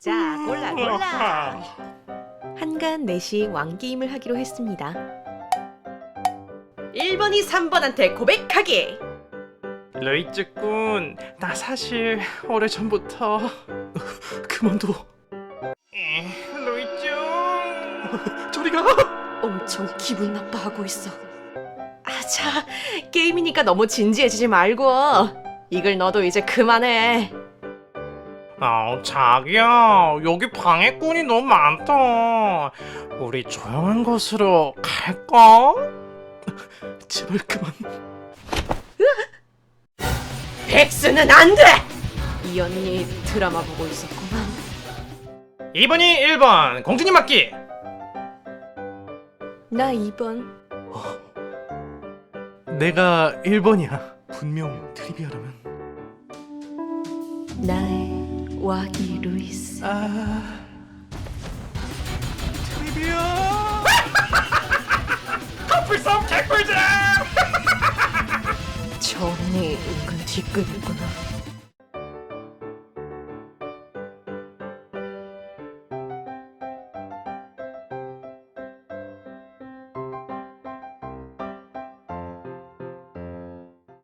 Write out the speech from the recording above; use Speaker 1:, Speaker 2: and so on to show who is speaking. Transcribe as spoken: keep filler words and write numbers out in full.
Speaker 1: 자, 골라 골라. 한간 넷이 왕게임을 하기로 했습니다. 일 번이 삼 번한테 고백하기.
Speaker 2: 루이즈군, 나 사실 오래전부터 그만둬. 에, 루이즈, 저리가.
Speaker 1: 엄청 기분 나빠하고 있어. 아자, 게임이니까 너무 진지해지지 말고. 이걸 너도 이제 그만해.
Speaker 2: 아, 자기야, 여기 방해꾼이 너무 많다. 우리 조용한 곳으로 갈까? 제발 그만.
Speaker 1: 백수는 안 돼! 이 언니 드라마 보고 있었구만.
Speaker 2: 이 번이 일 번, 공주님 맞기.
Speaker 1: 나 이 번.
Speaker 2: 내가 일 번이야. 분명 트리비아라면.
Speaker 1: 나의 와기 루이스.
Speaker 2: 아, 트리비아. 커플싸움 개꿀잼.
Speaker 1: 저 언니 은근 뒷급이구나.